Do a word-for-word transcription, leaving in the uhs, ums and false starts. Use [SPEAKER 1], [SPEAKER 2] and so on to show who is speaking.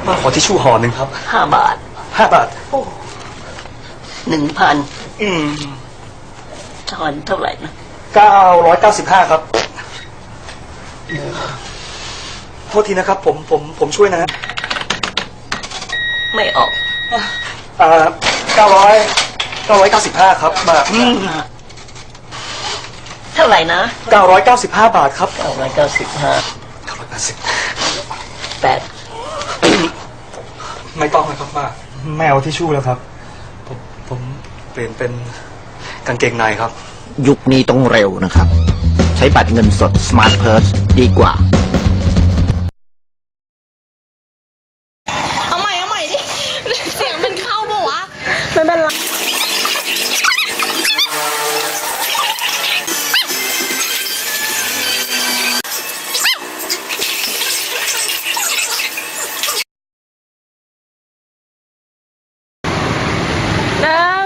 [SPEAKER 1] มาขอทิชชู่ห่อหนึ่งครับ
[SPEAKER 2] ห้าบาท
[SPEAKER 1] ห้าบาท
[SPEAKER 2] โอ้หนึ่งพัน
[SPEAKER 1] อืม
[SPEAKER 2] ทอนเท่าไหร่นะ
[SPEAKER 1] เก้าร้อยเก้าสิบห้าครับโทษทีนะครับผมผมผมช่วยนะ
[SPEAKER 2] ไม่ออก
[SPEAKER 1] อ่าเก้าร้อยเก้าร้อยเก้าสิบห้าครับมา
[SPEAKER 2] เท่าไหร่นะ
[SPEAKER 1] เก้าร้อยเก้าสิบห้าบาทครับ
[SPEAKER 2] เก้าร้อยเก้าสิบห้า
[SPEAKER 1] เก้าร้อยแปดสิบ
[SPEAKER 2] แปด
[SPEAKER 1] ไม่ต้องเลยครับมาไม่เอาทิชชู่แล้วครับผมผมเปลี่ยนเป็นกางเกงในครับ
[SPEAKER 3] ยุคนี้ต้องเร็วนะครับ ใช้บัตรเงินสด Smart Purse ดีกว่า
[SPEAKER 4] เอาใหม่เอาใหม่ดิเสียงมันเข้าปะวะไม่เป็นไรหนึ่